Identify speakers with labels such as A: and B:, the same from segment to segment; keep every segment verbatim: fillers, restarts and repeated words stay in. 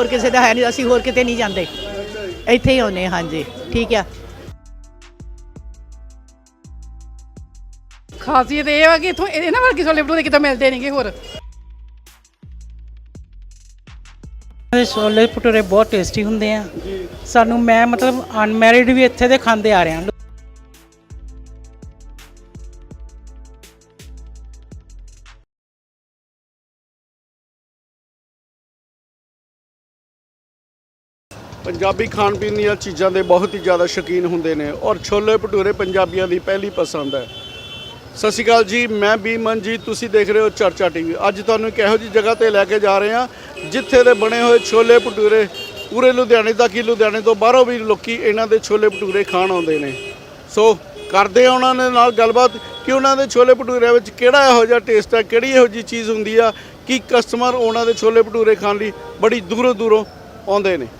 A: ਹੋਰ ਕਿਸੇ ਦਾ ਹੈ ਨਹੀਂ, ਅਸੀਂ ਹੋਰ ਕਿਤੇ ਨਹੀਂ ਜਾਂਦੇ, ਇੱਥੇ ਹੀ ਆਉਂਦੇ ਹਾਂ ਜੀ। ਠੀਕ ਆ।
B: ਖਾਸੀਅਤ ਇਹ ਵਾ ਕਿ ਇੱਥੋਂ ਇਹਨਾਂ ਵਰਗੇ ਛੋਲੇ ਭਟੂਰੇ ਕਿਤੇ ਮਿਲਦੇ ਨਹੀਂਗੇ ਹੋਰ।
C: ਛੋਲੇ ਭਟੂਰੇ ਬਹੁਤ ਟੇਸਟੀ ਹੁੰਦੇ ਆ। ਸਾਨੂੰ ਮੈਂ ਮਤਲਬ ਅਨਮੈਰਿਡ ਵੀ ਇੱਥੇ ਦੇ ਖਾਂਦੇ ਆ ਰਹੇ ਹਾਂ।
D: ਪੰਜਾਬੀ ਖਾਣ ਪੀਣ ਦੀਆਂ ਚੀਜ਼ਾਂ ਦੇ ਬਹੁਤ ਹੀ ਜ਼ਿਆਦਾ ਸ਼ੌਕੀਨ ਹੁੰਦੇ ਨੇ ਔਰ ਛੋਲੇ ਭਟੂਰੇ ਪੰਜਾਬੀਆਂ ਦੀ ਪਹਿਲੀ ਪਸੰਦ ਹੈ। ਸਤਿ ਸ਼੍ਰੀ ਅਕਾਲ ਜੀ, ਮੈਂ ਬੀ ਮਨਜੀਤ, ਤੁਸੀਂ ਦੇਖ ਰਹੇ ਹੋ ਚਰਚਾ ਟੀਵੀ। ਅੱਜ ਤੁਹਾਨੂੰ ਇੱਕ ਇਹੋ ਜਿਹੀ ਜਗ੍ਹਾ ਤੇ ਲੈ ਕੇ ਜਾ ਰਹੇ ਹਾਂ ਜਿੱਥੇ ਦੇ ਬਣੇ ਹੋਏ ਛੋਲੇ ਭਟੂਰੇ ਪੂਰੇ ਲੁਧਿਆਣੇ ਤੱਕ ਹੀ, ਲੁਧਿਆਣੇ ਤੋਂ ਬਾਹਰੋਂ ਵੀ ਲੋਕੀ ਇਹਨਾਂ ਦੇ ਛੋਲੇ ਭਟੂਰੇ ਖਾਣ ਆਉਂਦੇ ਨੇ। ਸੋ ਕਰਦੇ ਆ ਉਹਨਾਂ ਦੇ ਨਾਲ ਗੱਲਬਾਤ ਕਿ ਉਹਨਾਂ ਦੇ ਛੋਲੇ ਭਟੂਰਿਆਂ ਵਿੱਚ ਕਿਹੜਾ ਇਹੋ ਜਿਹਾ ਟੇਸਟ ਹੈ, ਕਿਹੜੀ ਇਹੋ ਜਿਹੀ ਚੀਜ਼ ਹੁੰਦੀ ਆ ਕਿ ਕਸਟਮਰ ਉਹਨਾਂ ਦੇ ਛੋਲੇ ਭਟੂਰੇ ਖਾਣ ਲਈ ਬੜੀ ਦੂਰੋਂ ਦੂਰੋਂ ਆਉਂਦੇ ਨੇ।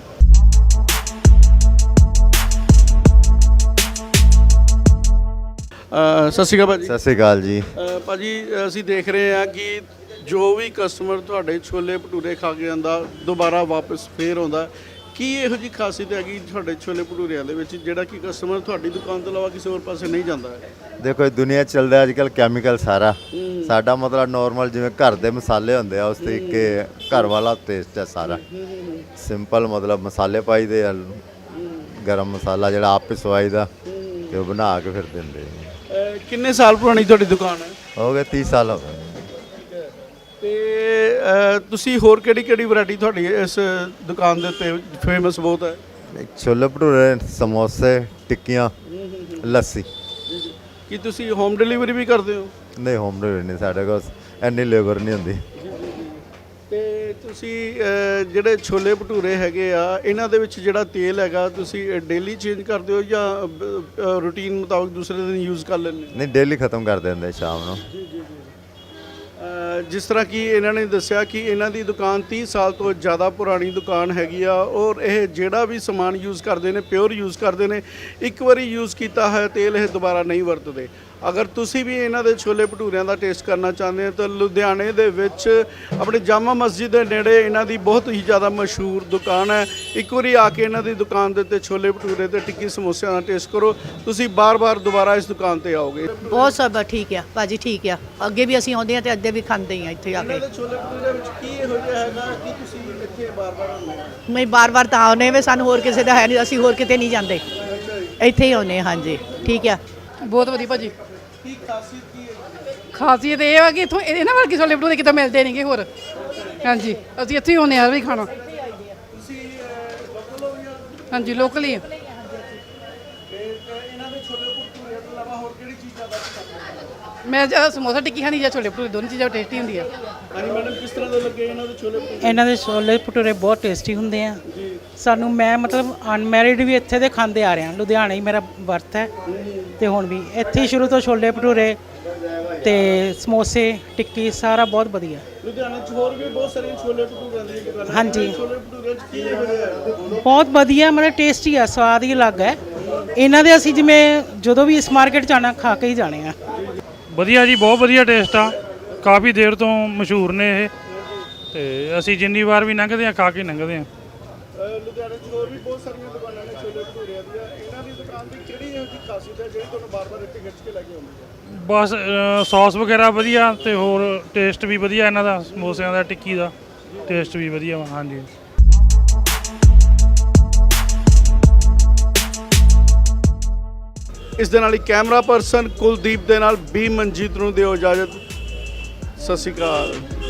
D: ਸਤਿ ਸ਼੍ਰੀ ਅਕਾਲ ਭਾਜੀ।
E: ਸਤਿ ਸ਼੍ਰੀ ਅਕਾਲ ਜੀ।
D: ਭਾਜੀ ਅਸੀਂ ਦੇਖ ਰਹੇ ਹਾਂ ਕਿ ਜੋ ਵੀ ਕਸਟਮਰ ਤੁਹਾਡੇ ਛੋਲੇ ਭਟੂਰੇ ਖਾ ਕੇ ਜਾਂਦਾ ਦੁਬਾਰਾ ਵਾਪਸ ਫੇਰ ਆਉਂਦਾ। ਕੀ ਇਹੋ ਜਿਹੀ ਖਾਸੀਅਤ ਹੈਗੀ ਤੁਹਾਡੇ ਛੋਲੇ ਭਟੂਰਿਆਂ ਦੇ ਵਿੱਚ ਜਿਹੜਾ ਕਿ ਕਸਟਮਰ ਤੁਹਾਡੀ ਦੁਕਾਨ ਤੋਂ ਇਲਾਵਾ ਕਿਸੇ ਹੋਰ ਪਾਸੇ ਨਹੀਂ ਜਾਂਦਾ ਹੈ?
E: ਦੇਖੋ ਦੁਨੀਆ ਚੱਲਦਾ ਅੱਜ ਕੱਲ੍ਹ ਕੈਮੀਕਲ ਸਾਰਾ। ਸਾਡਾ ਮਤਲਬ ਨੋਰਮਲ ਜਿਵੇਂ ਘਰ ਦੇ ਮਸਾਲੇ ਹੁੰਦੇ ਆ ਉਸ ਤਰੀਕੇ ਘਰ ਵਾਲਾ ਟੇਸਟ ਹੈ ਸਾਰਾ। ਸਿੰਪਲ ਮਤਲਬ ਮਸਾਲੇ ਪਾਈਦੇ ਆ, ਗਰਮ ਮਸਾਲਾ ਜਿਹੜਾ ਆਪ ਪਿਸਵਾਈ ਦਾ ਤੇ ਉਹ ਬਣਾ ਕੇ ਫਿਰ ਦਿੰਦੇ।
D: ਕਿੰਨੇ ਸਾਲ ਪੁਰਾਣੀ ਤੁਹਾਡੀ ਦੁਕਾਨ ਹੈ?
E: ਹੋ ਗਏ ਤੀਹ ਸਾਲ ਹੋ ਗਏ।
D: ਤੇ ਤੁਸੀਂ ਹੋਰ ਕਿਹੜੀ ਕਿਹੜੀ ਵੈਰਾਈਟੀ ਤੁਹਾਡੀ ਇਸ ਦੁਕਾਨ ਦੇ ਉੱਤੇ ਫੇਮਸ ਬਹੁਤ ਹੈ?
E: ਛੋਲੇ ਭਟੂਰੇ, ਸਮੋਸੇ, ਟਿੱਕੀਆਂ, ਲੱਸੀ।
D: ਕੀ ਤੁਸੀਂ ਹੋਮ ਡਿਲੀਵਰੀ ਵੀ ਕਰਦੇ ਹੋ?
E: ਨਹੀਂ, ਹੋਮ ਡਿਲੀਵਰੀ ਨਹੀਂ, ਸਾਡੇ ਕੋਲ ਇੰਨੀ ਲੇਬਰ ਨਹੀਂ ਹੁੰਦੀ।
D: ਤੇ ਤੁਸੀਂ ਜਿਹੜੇ ਛੋਲੇ ਭਟੂਰੇ ਹੈਗੇ ਆ ਇਹਨਾਂ ਦੇ ਵਿੱਚ ਜਿਹੜਾ ਤੇਲ ਹੈਗਾ ਤੁਸੀਂ ਡੇਲੀ ਚੇਂਜ ਕਰਦੇ ਹੋ ਜਾਂ ਰੂਟੀਨ ਮੁਤਾਬਕ ਦੂਸਰੇ ਦਿਨ ਯੂਜ਼ ਕਰ ਲੈਂਦੇ?
E: ਨਹੀਂ, ਡੇਲੀ ਖਤਮ ਕਰ ਦਿੰਦੇ ਸ਼ਾਮ ਨੂੰ।
D: ਜਿਸ ਤਰ੍ਹਾਂ ਕਿ ਇਹਨਾਂ ਨੇ ਦੱਸਿਆ ਕਿ ਇਹਨਾਂ ਦੀ ਦੁਕਾਨ ਤੀਹ ਸਾਲ ਤੋਂ ਜ਼ਿਆਦਾ ਪੁਰਾਣੀ ਦੁਕਾਨ ਹੈਗੀ ਆ ਔਰ ਇਹ ਜਿਹੜਾ ਵੀ ਸਮਾਨ ਯੂਜ਼ ਕਰਦੇ ਨੇ ਪਿਓਰ ਯੂਜ਼ ਕਰਦੇ ਨੇ। ਇੱਕ ਵਾਰੀ ਯੂਜ਼ ਕੀਤਾ ਹੋਇਆ ਤੇਲ ਇਹ ਦੁਬਾਰਾ ਨਹੀਂ ਵਰਤਦੇ। ਅਗਰ ਤੁਸੀਂ ਵੀ ਇਹਨਾਂ ਦੇ ਛੋਲੇ ਭਟੂਰਿਆਂ ਦਾ ਟੇਸਟ ਕਰਨਾ ਚਾਹੁੰਦੇ ਹੋ ਤਾਂ ਲੁਧਿਆਣੇ ਦੇ ਵਿੱਚ ਆਪਣੇ ਜਾਮਾ ਮਸਜਿਦ ਦੇ ਨੇੜੇ ਇਹਨਾਂ ਦੀ ਬਹੁਤ ਹੀ ਜ਼ਿਆਦਾ ਮਸ਼ਹੂਰ ਦੁਕਾਨ ਹੈ। ਇੱਕ ਵਾਰੀ ਆ ਕੇ ਇਹਨਾਂ ਦੀ ਦੁਕਾਨ ਦੇ ਉੱਤੇ ਛੋਲੇ ਭਟੂਰੇ ਤੇ ਟਿੱਕੀ ਸਮੋਸਿਆਂ ਦਾ ਟੇਸਟ ਕਰੋ, ਤੁਸੀਂ ਬਾਰ-ਬਾਰ ਦੁਬਾਰਾ ਇਸ ਦੁਕਾਨ ਤੇ ਆਓਗੇ।
A: ਬਹੁਤ ਸਭ ਠੀਕ ਆ ਭਾਜੀ, ਠੀਕ ਆ। ਅੱਗੇ ਵੀ ਅਸੀਂ ਆਉਂਦੇ ਹਾਂ ਤੇ ਅੱਗੇ ਵੀ ਖਾਂਦੇ ਹੀ ਆ ਇੱਥੇ ਆ ਕੇ।
D: ਛੋਲੇ ਭਟੂਰੇ ਵਿੱਚ ਕੀ ਇਹੋ ਜਿਹਾ ਹੈਗਾ ਕਿ ਤੁਸੀਂ ਇੱਥੇ ਬਾਰ-ਬਾਰ ਆਉਂਦੇ ਹੋ?
A: ਮੈਂ ਬਾਰ-ਬਾਰ ਤਾਂ ਆਉਂਦੇ ਵੇ, ਸਾਨੂੰ ਹੋਰ ਕਿਸੇ ਦਾ ਹੈ ਨਹੀਂ, ਅਸੀਂ ਹੋਰ ਕਿਤੇ ਨਹੀਂ ਜਾਂਦੇ, ਇੱਥੇ ਹੀ ਆਉਂਦੇ ਹਾਂ ਜੀ। ਠੀਕ ਆ।
B: ਬਹੁਤ ਵਧੀਆ ਭਾਜੀ।
D: ਕੀ ਖਾਸੀਅਤ ਕੀ ਹੈ?
B: ਖਾਸੀਅਤ ਇਹ ਵਾ ਕਿ ਇੱਥੋਂ ਇਹਨਾਂ ਵਰਗੇ ਛੋਲੇ ਭਟੂਰੇ ਕਿਤੇ ਮਿਲਦੇ ਨਹੀਂਗੇ ਹੋਰ। ਹਾਂਜੀ, ਅਸੀਂ ਇੱਥੇ ਹੀ ਆਉਂਦੇ ਹਾਂ ਵੀ ਖਾਣਾ।
D: ਤੁਸੀਂ ਲੋਕਲ ਹੋ ਜਾਂ?
B: ਹਾਂਜੀ, ਲੋਕਲ ਹੀ।
D: ਤੇ ਇਹਨਾਂ ਦੇ ਛੋਲੇ ਭਟੂਰੇ ਤੋਂ ਇਲਾਵਾ ਹੋਰ ਕਿਹੜੀ ਚੀਜ਼ਾਂ ਦਾ ਪਸੰਦ?
B: ਮੈਂ ਜ਼ਿਆਦਾ ਸਮੋਸਾ ਟਿੱਕੀ ਖਾਣੀ ਜਾਂ ਛੋਲੇ ਭਟੂਰੇ, ਦੋਨੋਂ ਚੀਜ਼ਾਂ ਟੇਸਟੀ ਹੁੰਦੀਆਂ।
D: ਹਾਂਜੀ ਮੈਡਮ, ਕਿਸ ਤਰ੍ਹਾਂ ਦੇ ਲੱਗੇ ਇਹਨਾਂ ਦੇ ਛੋਲੇ ਭਟੂਰੇ?
C: ਇਹਨਾਂ ਦੇ ਛੋਲੇ ਭਟੂਰੇ ਬਹੁਤ ਟੇਸਟੀ ਹੁੰਦੇ ਆ। ਸਾਨੂੰ ਮੈਂ ਮਤਲਬ ਅਨਮੈਰਿਡ ਵੀ ਇੱਥੇ ਦੇ ਖਾਂਦੇ ਆ ਰਹੇ ਹਾਂ। ਲੁਧਿਆਣੇ ਹੀ ਮੇਰਾ ਬਰਥ ਹੈ ਤੇ ਹੁਣ ਵੀ ਇੱਥੇ ਹੀ ਸ਼ੁਰੂ ਤੋਂ ਛੋਲੇ ਭਟੂਰੇ ਤੇ ਸਮੋਸੇ, ਟਿੱਕੀ ਸਾਰਾ ਬਹੁਤ ਵਧੀਆ।
D: ਲੁਧਿਆਣੇ 'ਚ ਹੋਰ ਵੀ ਬਹੁਤ ਸਾਰੀਆਂ ਛੋਲੇ ਭਟੂਰਿਆਂ ਦੀਆਂ ਦੁਕਾਨਾਂ।
C: ਹਾਂਜੀ,
D: ਛੋਲੇ ਭਟੂਰਿਆਂ 'ਚ ਕੀ ਇਹੋ ਜਿਹਾ ਹੈ?
C: ਬਹੁਤ ਵਧੀਆ, ਮਤਲਬ ਟੇਸਟੀ ਆ, ਸਵਾਦ ਹੀ ਅਲੱਗ ਹੈ ਇਹਨਾਂ ਦੇ। ਅਸੀਂ ਜਿਵੇਂ ਜਦੋਂ ਵੀ ਇਸ ਮਾਰਕੀਟ 'ਚ ਆਉਣਾ ਖਾ ਕੇ ਹੀ ਜਾਣੇ ਆ।
F: ਵਧੀਆ ਜੀ, ਬਹੁਤ ਵਧੀਆ ਟੇਸਟ ਆ। ਕਾਫੀ ਦੇਰ ਤੋਂ ਮਸ਼ਹੂਰ ਨੇ ਇਹ ਤੇ ਅਸੀਂ ਜਿੰਨੀ ਵਾਰ ਵੀ ਲੰਘਦੇ ਆ ਖਾ ਕੇ ਲੰਘਦੇ ਆ।
D: ਲੁਧਿਆਣੇ 'ਚ ਹੋਰ ਵੀ ਬਹੁਤ ਸਾਰੀਆਂ ਦੁਕਾਨਾਂ ਨੇ ਛੋਲੇ ਭਟੂਰਿਆਂ ਦੀਆਂ। ਇਹਨਾਂ ਦੀ ਦੁਕਾਨ ਦੀ ਕਿਹੜੀ ਇਹੋ ਜਿਹੀ ਖਾਸੀਅਤ ਹੈ ਜਿਹੜੀ ਤੁਹਾਨੂੰ ਬਾਰ-ਬਾਰ ਇੱਥੇ ਖਿੱਚ ਕੇ ਲੈ ਕੇ ਆਉਂਦੀ ਹੈ?
F: ਬਸ ਸੌਸ ਵਗੈਰਾ ਵਧੀਆ ਤੇ ਹੋਰ ਟੇਸਟ ਵੀ ਵਧੀਆ ਇਹਨਾਂ ਦਾ, ਸਮੋਸਿਆਂ ਦਾ, ਟਿੱਕੀ ਦਾ ਟੇਸਟ ਵੀ ਵਧੀਆ ਵਾ। ਹਾਂਜੀ।
D: ਇਸ ਦੇ ਨਾਲ ਹੀ ਕੈਮਰਾ ਪਰਸਨ ਕੁਲਦੀਪ ਦੇ ਨਾਲ ਬੀ ਮਨਜੀਤ ਨੂੰ ਦਿਓ ਇਜਾਜ਼ਤ। ਸਤਿ ਸ਼੍ਰੀ ਅਕਾਲ।